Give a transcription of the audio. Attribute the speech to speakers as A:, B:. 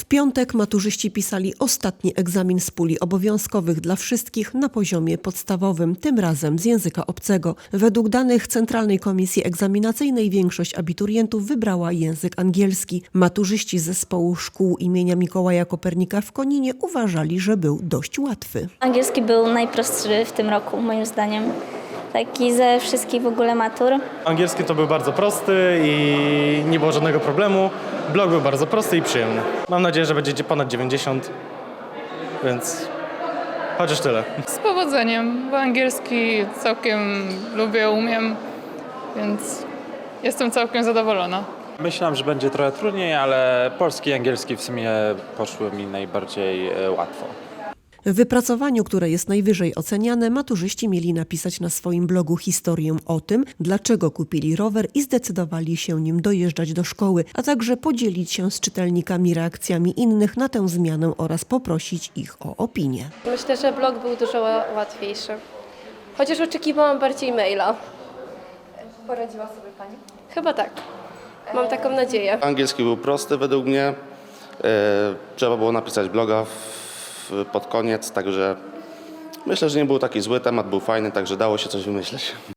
A: piątek maturzyści pisali ostatni egzamin z puli obowiązkowych dla wszystkich na poziomie podstawowym, tym razem z języka obcego. Według danych Centralnej Komisji Egzaminacyjnej większość abiturientów wybrała język angielski. Maturzyści z zespołu szkół imienia Mikołaja Kopernika w Koninie uważali, że był dość łatwy.
B: Angielski był najprostszy w tym roku, moim zdaniem. Taki ze wszystkich w ogóle matur.
C: Angielski to był bardzo prosty i nie było żadnego problemu. Blog był bardzo prosty i przyjemny. Mam nadzieję, że będzie ponad 90, więc chociaż tyle.
D: Z powodzeniem, bo angielski całkiem lubię, umiem, więc jestem całkiem zadowolona.
E: Myślałem, że będzie trochę trudniej, ale polski i angielski w sumie poszły mi najbardziej łatwo.
A: W wypracowaniu, które jest najwyżej oceniane, maturzyści mieli napisać na swoim blogu historię o tym, dlaczego kupili rower i zdecydowali się nim dojeżdżać do szkoły, a także podzielić się z czytelnikami reakcjami innych na tę zmianę oraz poprosić ich o opinię.
F: Myślę, że blog był dużo łatwiejszy. Chociaż oczekiwałam bardziej maila.
G: Poradziła sobie Pani?
F: Chyba tak. Mam taką nadzieję.
H: Angielski był prosty według mnie. Trzeba było napisać bloga pod koniec, także myślę, że nie był taki zły, temat był fajny, także dało się coś wymyśleć.